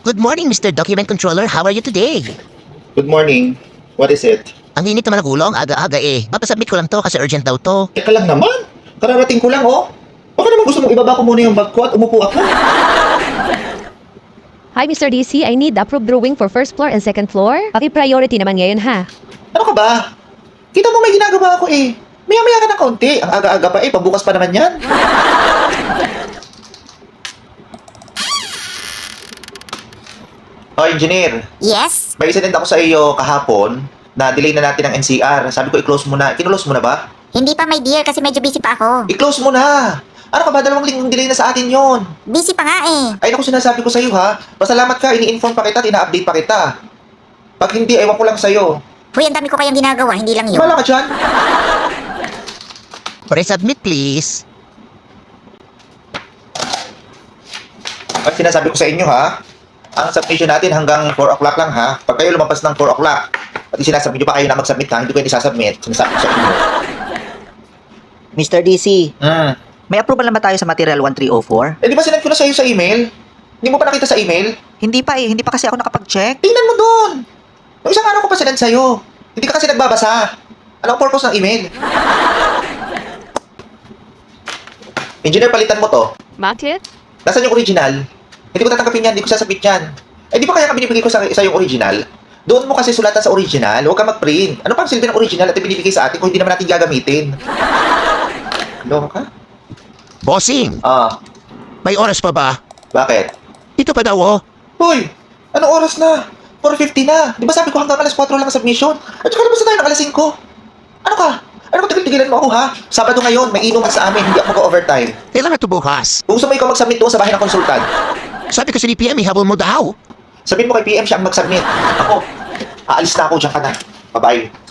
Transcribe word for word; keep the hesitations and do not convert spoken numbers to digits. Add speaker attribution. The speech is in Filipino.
Speaker 1: Good morning, Mister Document Controller. How are you today?
Speaker 2: Good morning. What is it?
Speaker 1: Ang init naman ng ulo, ang aga-aga eh. Papasubmit ko lang to kasi urgent daw to.
Speaker 2: Teka lang naman. Kararating ko lang, oh. Baka naman gusto mong ibaba ko muna yung bag ko at umupo ako.
Speaker 3: Hi, Mister D C. I need approved drawing for first floor and second floor. Paki-priority naman ngayon, ha?
Speaker 2: Ano ka ba? Kita mo may ginagawa ako eh. Maya-maya ka ng kaunti. Ang aga-aga pa eh. Pagbukas pa naman yan. Oh, engineer.
Speaker 4: Yes?
Speaker 2: May isend ako sa iyo kahapon na delay na natin ang N C R. Sabi ko i-close mo na. Kinulose mo na ba?
Speaker 4: Hindi pa, my dear, kasi medyo busy pa ako.
Speaker 2: I-close mo na. Ano ka ba? Dalawang linggong delay na sa atin yon.
Speaker 4: Busy pa nga eh.
Speaker 2: Ay naku, sinasabi ko sa iyo ha. Pasalamat ka, ini-inform pa kita at ina-update pa kita. Pag hindi, ewan ko lang sa iyo.
Speaker 4: Huy, ang dami ko kayang ginagawa, hindi lang yun.
Speaker 2: Wala ka dyan.
Speaker 1: Resubmit, please.
Speaker 2: At sinasabi ko sa inyo ha, ang submission natin hanggang four o'clock lang ha. Pag kayo lumabas ng four o'clock, at sinasabit nyo pa kayo na mag-submit ha, hindi ko yun isasubmit. Sinasabi ko sa inyo.
Speaker 5: Mister D C,
Speaker 2: Hmm.
Speaker 5: may approval na ba tayo sa material one three oh four?
Speaker 2: Eh di ba sinend ko na sa iyo sa email? Hindi mo pa nakita sa email?
Speaker 5: Hindi pa eh, hindi pa kasi ako nakapag-check.
Speaker 2: Tingnan mo doon. Yung isang araw ko pa sinend sa'yo. Hindi ka kasi nagbabasa. Ano ang purpose ng email? Engineer, palitan mo to.
Speaker 3: Bakit?
Speaker 2: Nasaan yung original? Hindi ko tatanggapin yan, hindi ko sasabit yan. Eh di ba kaya ka binibigay ko sa, sa yung original? Doon mo kasi sulatan sa original, huwag ka mag-print. Ano pang silbi ng original at binibigay sa atin kung hindi naman natin gagamitin? Loko ka?
Speaker 1: Bossing,
Speaker 2: Ah,
Speaker 1: may oras pa ba?
Speaker 2: bakit?
Speaker 1: Ito pa daw oh.
Speaker 2: Hoy, anong oras na? four fifty na. Di ba sabi ko hanggang alas four lang ang submission? At saka labas na tayo ng alas five. Ano ka? Ano kung tigil-tigilan mo ako ha? Sabado ngayon, may inuman sa amin, hindi ako mag-overtime.
Speaker 1: Kailangan to bukas.
Speaker 2: Kung gusto mo ikaw mag-submit doon sa bahay ng konsultan,
Speaker 1: Sabi ko sa D P M, ihabol mo daw.
Speaker 2: sabihin mo kay P M siya ang mag-submit. Ako, aalis na ako, dyan ka na. Bye-bye.